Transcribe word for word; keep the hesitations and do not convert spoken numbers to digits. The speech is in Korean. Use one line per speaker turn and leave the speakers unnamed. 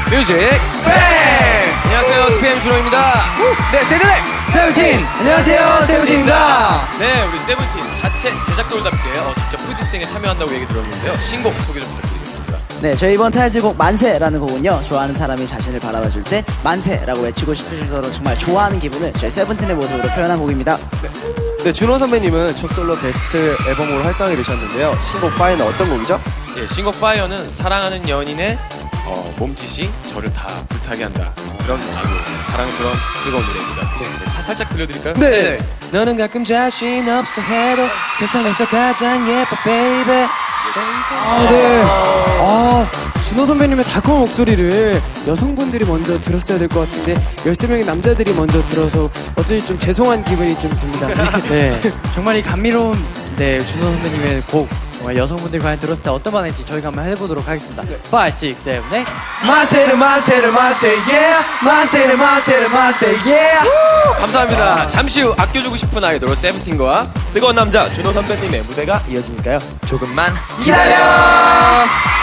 뮤직 뱅! 안녕하세요, 투피엠 준호입니다.
네, 세븐틴! 세븐틴! 안녕하세요, 세븐틴입니다.
네, 우리 세븐틴 자체 제작돌답게 어, 직접 프로듀싱에 참여한다고 얘기 들었는데요. 신곡 소개 좀 부탁드리겠습니다.
네, 저희 이번 타이틀곡 만세라는 곡은요, 좋아하는 사람이 자신을 바라봐줄 때 만세라고 외치고 싶으실 정도로 정말 좋아하는 기분을 저희 세븐틴의 모습으로 표현한 곡입니다.
네, 준호 선배님은 첫 솔로 베스트 앨범으로 활동하게 되셨는데요. 신곡 파이는 어떤 곡이죠?
예, 신곡 파이어는 사랑하는 연인의 어, 몸짓이 저를 다 불타게 한다. 그런 아주 사랑스러운 뜨거운 노래입니다. 네, 차 살짝 들려드릴까요?
네.
너는 가끔 자신 없어 해도 세상에서 가장 예뻐, 베이베.
아, 네. 아, 준호 선배님의 달콤한 목소리를 여성분들이 먼저 들었어야 될 것 같은데 열세 명의 남자들이 먼저 들어서 어쩐지 좀 죄송한 기분이 좀 듭니다.
네, 정말 이 감미로운 네, 준호 선배님의 곡 정말 여성분들이 과연 들었을 때 어떤 반응일지 저희가 한번 해보도록 하겠습니다. 오, 육, 칠, 팔
만세를 만세를 만세 yeah 만세를 만세를 만세 yeah
감사합니다. 잠시 후 아껴주고 싶은 아이돌 세븐틴과
뜨거운 남자 준호 선배님의 무대가 이어지니까요.
조금만
기다려!